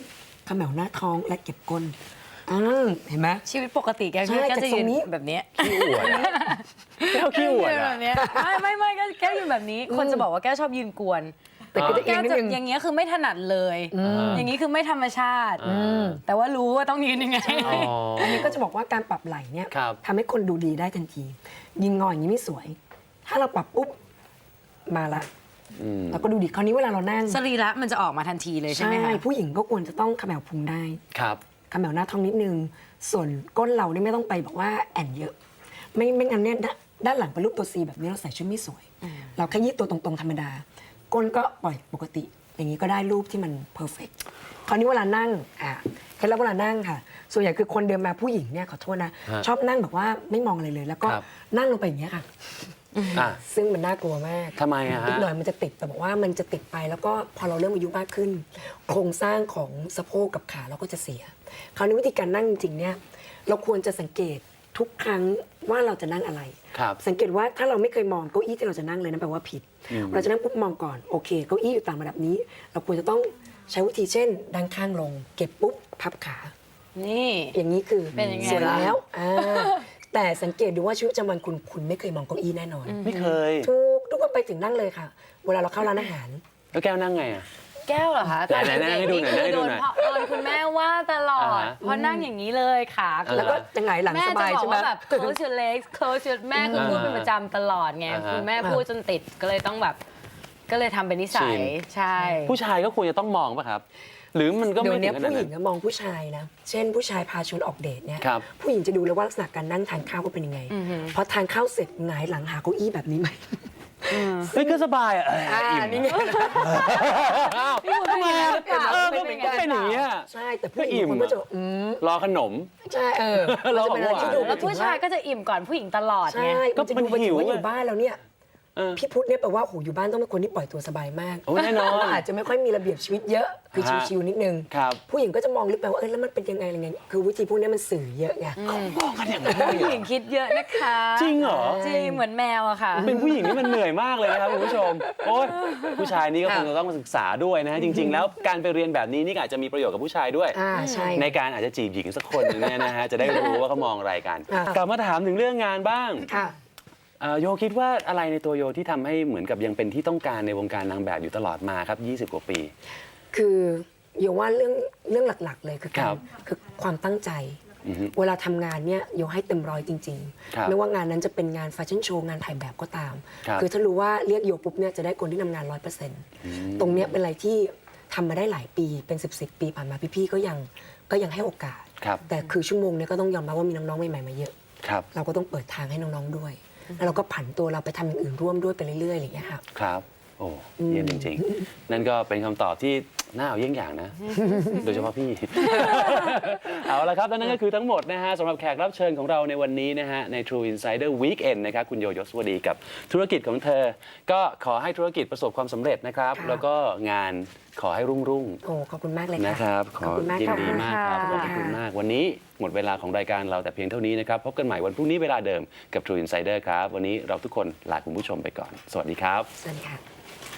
[SPEAKER 3] เขมวหน้าท้องและเก็บก้นเห็นไหม
[SPEAKER 2] ชีวิตปกติแก
[SPEAKER 3] ใช่
[SPEAKER 2] ก็จะยื
[SPEAKER 3] จากตรงนี้
[SPEAKER 2] นแบบเนี้ย
[SPEAKER 1] ขี้อวดอะแก้วขี้อวด
[SPEAKER 2] ยืนแบ
[SPEAKER 1] อะ
[SPEAKER 2] บเนี้ยไม่ก็แก้วยืนแบบนี้ คนจะบอกว่าแก้วชอบยืนกวน
[SPEAKER 3] แต่ก็จะเอี
[SPEAKER 2] แก้
[SPEAKER 3] ยง
[SPEAKER 2] ว
[SPEAKER 3] นิด
[SPEAKER 2] จะ
[SPEAKER 3] นึง
[SPEAKER 2] อย่างเงี้ยคือไม่ถนัดเลย อย่างนี้คือไม่ธรรมชาติ แต่ว่ารู้ว่าต้องยืนยังไง
[SPEAKER 3] อันนี้ก็จะบอกว่าการปรับไหล่เนี่ย
[SPEAKER 1] ครับ
[SPEAKER 3] ทำให้คนดูดีได้ทันทียืนงออย่างนี้ไม่สวย ถ้าเราปรับปุ๊บมาละเราก็ดูดีคราวนี้เวลาเรานั่ง
[SPEAKER 2] สรีระมันจะออกมาทันทีเลยใช่ไหมคะ
[SPEAKER 3] ผู้หญิงก็ควรจะต้องเขมวพุงได้
[SPEAKER 1] ครับ
[SPEAKER 3] เขมวหน้าท้องนิดนึง ส่วนก้นเราเนี่ยไม่ต้องไปบอกว่าแอนเยอะ ไม่งั้นเนี่ยด้านหลังเป็นรูปตัว C แบบนี้เราใส่ชุดไม่สวย เราแค่ยืดตัวตรงๆธรรมดา ก้นก็ปล่อยปกติ อย่างนี้ก็ได้รูปที่มันเพอร์เฟกต์คราวนี้เวลานั่งเคล็ดลับเวลานั่งค่ะ ส่วนใหญ่คือคนเดินมาผู้หญิงเนี่ยขอโทษนะ
[SPEAKER 1] ฮะ
[SPEAKER 3] ชอบนั่งแบบว่าไม่มองอะไรเลย แล้วก็
[SPEAKER 1] ครับ
[SPEAKER 3] นั่งลงไปอย่างเงี้ยค่ะ
[SPEAKER 1] อ่ะ
[SPEAKER 3] ซึ่งมันน่ากลัวมาก
[SPEAKER 1] ทำไมอะฮะ
[SPEAKER 3] อีกหน่อยมันจะติดแต่บอกว่ามันจะติดไปแล้วก็พอเราเริ่มอายุมากขึ้น โครงสร้างของสะโพกกับขาเราก็จะเสีย คราวนี้วิธีการนั่งจริงๆเนี่ยเราควรจะสังเกตทุกครั้งว่าเราจะนั่งอะไร
[SPEAKER 1] ครับ
[SPEAKER 3] สังเกตว่าถ้าเราไม่เคยมองเก้าอี้ที่เราจะนั่งเลยนั่นแปลว่าผิด เราจะนั่งปุ๊บมองก่อนโอเคเก้าอี้อยู่ตามระดับนี้ เราควรจะต้องใช้วิธีเช่นดันข้างลง เก็บปุ๊บพับขา
[SPEAKER 2] นี่
[SPEAKER 3] อย่างนี้คือ
[SPEAKER 2] เป็นยังไง
[SPEAKER 3] เสร็จ
[SPEAKER 2] ล่ะ
[SPEAKER 3] แล้วแต่สังเกตดูว่าชีวิตประจำวันคุณไม่เคยมองเก้าอี้แน่นอน
[SPEAKER 1] ไม่เคย
[SPEAKER 3] ทุกคนไปถึงนั่งเลยค่ะ เวลาเราเข้าร้านอาหาร
[SPEAKER 1] แล้วแก้วนั่งไงอะ
[SPEAKER 2] แก้วเหรอคะ
[SPEAKER 1] ไหนๆให้ดูหน่อย
[SPEAKER 2] คือ
[SPEAKER 1] ให้ดู
[SPEAKER 2] โดน
[SPEAKER 1] หน่อย
[SPEAKER 2] โดนคุณแม่ว่าตลอด
[SPEAKER 1] อ่าฮะ
[SPEAKER 2] เพราะนั่งอย่างนี้เลยขา
[SPEAKER 3] แล้วก็จะหงายหลัง
[SPEAKER 2] แม่
[SPEAKER 3] ส
[SPEAKER 2] จะ
[SPEAKER 3] บาย
[SPEAKER 2] บอก
[SPEAKER 3] ใช่ไหม
[SPEAKER 2] ว่าแบบ close your legs close your แม่คือพูดเป็นประจำตลอดไง
[SPEAKER 1] อ่าฮะ
[SPEAKER 2] คุณแม่พูดจนติดก็เลยต้องแบบ ก็เลยทำเป็นนิสั
[SPEAKER 1] ชิ
[SPEAKER 2] ย
[SPEAKER 1] น
[SPEAKER 2] ใช่
[SPEAKER 1] ผู้ชายก็ควรจะต้องมองป่ะครับ หรือมันก็
[SPEAKER 3] เดี๋ย
[SPEAKER 1] ไม่
[SPEAKER 3] ว
[SPEAKER 1] ถึ
[SPEAKER 3] นี้
[SPEAKER 1] งขนาด
[SPEAKER 3] ผู้หญิ
[SPEAKER 1] นั้
[SPEAKER 3] ง
[SPEAKER 1] น
[SPEAKER 3] ก็มองผู้ชายนะ เช่นผู้ชายพาชวนออกเดทเนี่ย
[SPEAKER 1] ครับ
[SPEAKER 3] ผู้หญิงจะดูเลยว่าลักษณะการนั่งทานข้าวเขาเป็นยังไงพอทานข้าวเสร็จหงายหลังหาเก้าอี้แบบนี้ไหม
[SPEAKER 1] เฮ้ยก็สบายอะ อิ่ม
[SPEAKER 3] นี่ไง
[SPEAKER 1] อ้าว
[SPEAKER 2] พี่บุญเป็นอย่างนั้นหรือเปล่า
[SPEAKER 1] ก็เป็นอย่างนี้ย
[SPEAKER 3] ใช่แต่ผู้หญิงบางคนก็จะ
[SPEAKER 1] รอขนม
[SPEAKER 3] ใช่
[SPEAKER 1] เรา
[SPEAKER 3] มันจะ
[SPEAKER 1] บอก
[SPEAKER 3] เป็นอะไร
[SPEAKER 1] ว่า
[SPEAKER 3] ที่ดู
[SPEAKER 2] แล้วผู้ชายก็จะอิ่มก่อนผู้หญิงตลอด
[SPEAKER 3] ใช่
[SPEAKER 2] ไง
[SPEAKER 3] ก็จะดู
[SPEAKER 1] มันหิว
[SPEAKER 3] ว่าอ
[SPEAKER 1] อะ
[SPEAKER 3] ยู่บ้านแล้วเนี่ย
[SPEAKER 1] เออ
[SPEAKER 3] พี่พุทธเนี่ยแปลว่าโหอยู่บ้านต้องเป็นคนที่ปล่อยตัวสบายมาก
[SPEAKER 1] โอ้แน่นอน
[SPEAKER 3] อาจจะไม่ค่อยมีระเบียบชีวิตเยอะคือ
[SPEAKER 1] ฮะ
[SPEAKER 3] ชิวๆนิดนึง
[SPEAKER 1] ครับ
[SPEAKER 3] ผู้หญิงก็จะมองลึกไปว่าแล้วมันเป็นยังไงอะไรเงี้ยคือวิธีพวกนี้มันสื่อเยอะไง
[SPEAKER 1] มองกันอย่างนั้น
[SPEAKER 2] ผู้หญิงคิดเยอะนะคะ
[SPEAKER 1] จริงเหรอ
[SPEAKER 2] จริงเหมือนแมวอะค่ะ
[SPEAKER 1] เป็นผู้หญิงนี่มันเหนื่อยมากเลยนะครับคุณผู้ชม โอ๊ยผู้ชายนี่ก็คงจะต้องมาศึกษาด้วยนะฮะจริง ๆ แล้วการไปเรียนแบบนี้นี่ก็อาจจะมีประโยชน์กับผู้ชายด้วย
[SPEAKER 3] ใช่
[SPEAKER 1] ในการอาจจะจีบหญิงสักคนหนึงเนี่ยนะฮะ จะได้รู้ว่าเขามองอะไรกัน
[SPEAKER 3] ค่ะ
[SPEAKER 1] กลับมาถามถึงเรื่องงานบ้าง
[SPEAKER 3] ค่ะ
[SPEAKER 1] โยคิดว่าอะไรในตัวโยที่ทำให้เหมือนกับยังเป็นที่ต้องการในวงการนางแบบอยู่ตลอดมาครับ 20 กว่าปี
[SPEAKER 3] คือโยว่าเรื่องหลักๆ เลยคือ
[SPEAKER 1] ค
[SPEAKER 3] กา
[SPEAKER 1] รั
[SPEAKER 3] ร
[SPEAKER 1] บ
[SPEAKER 3] คือความตั้งใจ
[SPEAKER 1] อือฮึ
[SPEAKER 3] เวลาทำงานเนี่ยโยให้เต็มร้อยจริง
[SPEAKER 1] ครับ
[SPEAKER 3] ๆ ไม่ว่างานนั้นจะเป็นงานแฟชั่นโชว์งานถ่ายแบบก็ตาม
[SPEAKER 1] ครับ
[SPEAKER 3] อถ้ารู้ว่าเรียกโยปุ๊บเนี่ยจะได้คนที่ทำงาน 100%ตรงเนี้ยเป็นอะไรที่ทำมาได้หลายปีเป็น 10 ปีผ่านมาพี่ๆก็ยังให้โอกาส
[SPEAKER 1] ครับ
[SPEAKER 3] แต่คือชั่วโมงเนี้ยก็ต้องยอมรับว่ามีน้องๆใหม่ๆมาเยอะ
[SPEAKER 1] ครับ
[SPEAKER 3] เราก็ต้องเปิดทางให้น้องๆด้วย แล้วเราก็ผันตัวเราไปทำอย่างอื่นร่วมด้วยไปเรื่อยๆอะไรอย่างเงี้ยค่ะ
[SPEAKER 1] ครับ โอ้เยี่ยมจริงๆ นั่นก็เป็นคำตอบที่น่าเอาเยี่ยงอย่างนะ โดยเฉพาะพี่ เอาละครับและนั่นก็คือทั้งหมดนะฮะสำหรับแขกรับเชิญของเราในวันนี้นะฮะใน True Insider Weekend นะครับคุณโยยศวดีกับธุรกิจของเธอ ก็ขอให้ธุรกิจประสบความสำเร็จนะครับ
[SPEAKER 3] ค่ะ
[SPEAKER 1] แล้วก็งานขอให้รุ่ง
[SPEAKER 3] โอ้ขอบคุณมากเลย
[SPEAKER 1] ๆ
[SPEAKER 3] ค่ะ
[SPEAKER 1] นะครับ ข
[SPEAKER 3] ข
[SPEAKER 1] อ
[SPEAKER 3] อบคุณมาก
[SPEAKER 1] ยิน
[SPEAKER 3] ค่ะ
[SPEAKER 1] ดีมากครับขอบคุณมากวันนี้หมดเวลาของรายการเราแต่เพียงเท่านี้นะครับพบกันใหม่วันพรุ่งนี้เวลาเดิมกับ True Insider ครับวันนี้เราทุกคนลาคุณผู้ชมไปก่อน สวัสดีครับ
[SPEAKER 3] สวัสดีค่ะ